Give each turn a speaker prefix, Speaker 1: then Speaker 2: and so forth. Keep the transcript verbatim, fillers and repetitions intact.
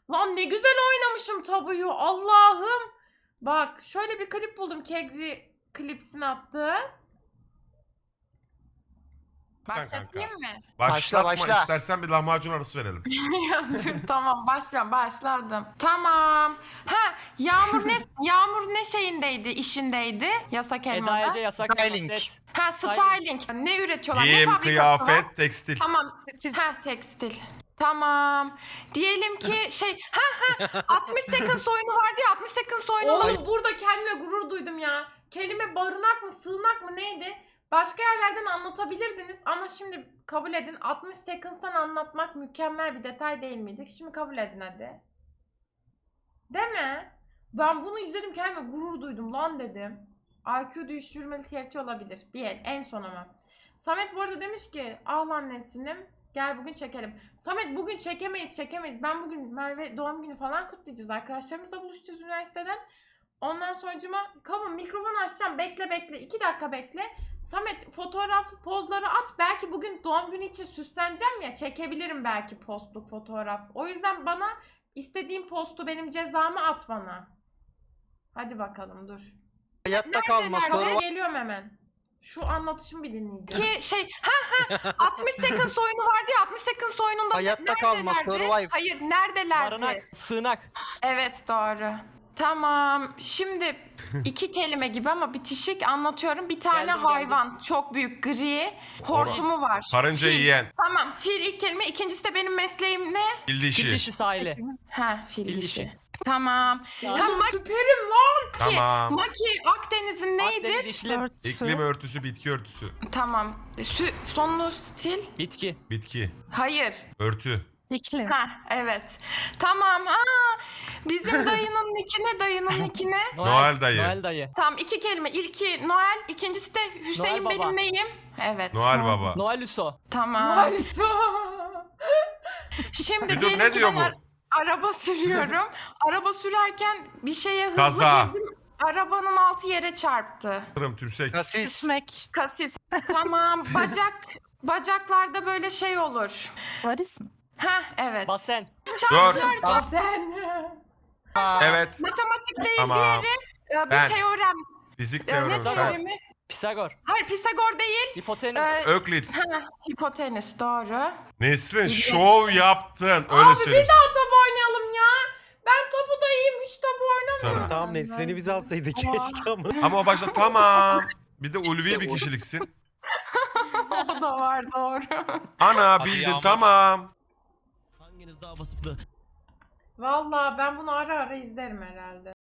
Speaker 1: Lan ne güzel oynamışım tabuyu. Allah'ım. Bak şöyle bir klip buldum. Kegri klipsin attığı. Başlatayım mı?
Speaker 2: Başlatma,
Speaker 3: Başla, başla.
Speaker 2: istersen bir lahmacun arası verelim.
Speaker 1: Ya dur tamam başlıyorum başladım. Tamam. Ha Yağmur ne Yağmur ne şeyindeydi işindeydi yasak
Speaker 4: Eda
Speaker 1: elmada.
Speaker 4: Ece yasak
Speaker 3: Styling.
Speaker 4: set.
Speaker 1: Ha styling. Ne üretiyorlar? ne
Speaker 2: Giyim,
Speaker 1: fabrikası var?
Speaker 2: kıyafet, tekstil.
Speaker 1: Tamam. Ha tekstil. Tamam. Diyelim ki şey ha ha altmış Seconds oyunu vardı ya altmış Seconds oyunu. Oğlum burada kendime gurur duydum ya. Kelime barınak mı sığınak mı neydi? Başka yerlerden anlatabilirdiniz ama şimdi kabul edin altmış Seconds'tan anlatmak mükemmel bir detay değil miydi? Şimdi kabul edin hadi. Değil mi? Ben bunu izledim kendime gurur duydum lan dedim. I Q düşürmeli T F T olabilir. Bir el en son ama. Samet bu arada demiş ki ah lan Nesrin'im gel bugün çekelim. Samet bugün çekemeyiz çekemeyiz. Ben bugün Merve doğum günü falan kutlayacağız. Arkadaşlarımızla buluşacağız üniversiteden. Ondan sonucuma kabım mikrofonu açacağım. Bekle bekle. iki dakika bekle. Samet fotoğraf pozları at. Belki bugün doğum günü için süsleneceğim ya. Çekebilirim belki postluk fotoğraf. O yüzden bana istediğim postu benim cezamı at bana. Hadi bakalım dur.
Speaker 3: Hayatta kalma
Speaker 1: Nerede?
Speaker 3: soru var.
Speaker 1: Geliyorum hemen. Şu anlatışımı bir dinleyeceğim. Ki şey ha ha altmış Seconds oyunu vardı ya altmış Seconds oyununda
Speaker 3: Hayatta kalma
Speaker 1: neredelerdi?
Speaker 3: survive.
Speaker 1: Hayır neredelerdi?
Speaker 4: Barınak, sığınak.
Speaker 1: Evet doğru. Tamam. Şimdi iki kelime gibi ama bitişik anlatıyorum. Bir tane
Speaker 4: Geldim,
Speaker 1: hayvan. Çok büyük gri. Hortumu var.
Speaker 2: Karınca
Speaker 1: Fil.
Speaker 2: yiyen.
Speaker 1: Tamam. Fil ilk kelime. İkincisi de benim mesleğim ne?
Speaker 2: Fil
Speaker 4: Fil
Speaker 2: dişi.
Speaker 4: dişi sahili.
Speaker 1: Ha fil,
Speaker 4: Fil
Speaker 1: dişi.
Speaker 4: dişi.
Speaker 1: Tamam.
Speaker 4: Ya.
Speaker 1: Ha, Maki. Süperim lan.
Speaker 2: Tamam.
Speaker 1: Maki Akdeniz'in neydi?
Speaker 4: Akdeniz iklim.
Speaker 2: İklim örtüsü, bitki örtüsü.
Speaker 1: Tamam. Sü sonlu stil.
Speaker 4: Bitki.
Speaker 2: Bitki.
Speaker 1: Hayır.
Speaker 2: Örtü.
Speaker 5: İklim.
Speaker 1: Ha evet. Tamam. Aa, bizim dayının niki ne? Dayının niki ne?
Speaker 2: Noel dayı.
Speaker 4: Noel dayı.
Speaker 1: Tamam iki kelime. İlki Noel, ikincisi de Hüseyin
Speaker 4: Noel Baba.
Speaker 1: benim neyim? Evet.
Speaker 2: Noel Baba.
Speaker 4: Noel Luso.
Speaker 1: Tamam. Şimdi
Speaker 2: Bir dur,
Speaker 1: diyelim
Speaker 2: ne
Speaker 1: ki
Speaker 2: diyor
Speaker 1: ben
Speaker 2: bu?
Speaker 1: ar- araba sürüyorum. Araba sürerken bir şeye hızlı
Speaker 2: Kaza.
Speaker 1: girdim. Arabanın altı yere çarptı.
Speaker 2: Tırım, tümsek.
Speaker 3: Kasis.
Speaker 5: Gitmek.
Speaker 1: Kasis. Tamam. Bacak bacaklarda böyle şey olur.
Speaker 5: Varis mi?
Speaker 1: Ha evet.
Speaker 4: Basen.
Speaker 1: Çarp
Speaker 2: Dur.
Speaker 1: çarp. Sen.
Speaker 2: Evet.
Speaker 1: Matematik değil
Speaker 2: Tamam.
Speaker 1: diğeri. e, Bir
Speaker 2: Ben.
Speaker 1: teorem.
Speaker 2: Fizik
Speaker 1: E,
Speaker 2: teoremi.
Speaker 1: Ne
Speaker 4: Pisagor.
Speaker 2: Ben.
Speaker 1: teoremi?
Speaker 4: Pisagor.
Speaker 1: Hayır Pisagor değil.
Speaker 4: Hipotenüs.
Speaker 1: E,
Speaker 2: Öklit.
Speaker 1: ha, hipotenüs doğru.
Speaker 2: Nesrin şov yaptın. Öyle
Speaker 1: Abi bir
Speaker 2: söyleyeyim.
Speaker 1: daha tabu oynayalım ya. Ben tabu da iyiyim hiç tabu oynamıyorum.
Speaker 2: Sana.
Speaker 6: Tamam Nesrin'i biz alsaydık keşke ama.
Speaker 2: Ama o başta tamam. Bir de ulvi bir kişiliksin.
Speaker 1: O da var doğru.
Speaker 2: Ana bildin
Speaker 7: Yağmur.
Speaker 2: tamam.
Speaker 6: Hanginiz daha vasıflı?
Speaker 1: Vallahi ben bunu ara ara izlerim herhalde.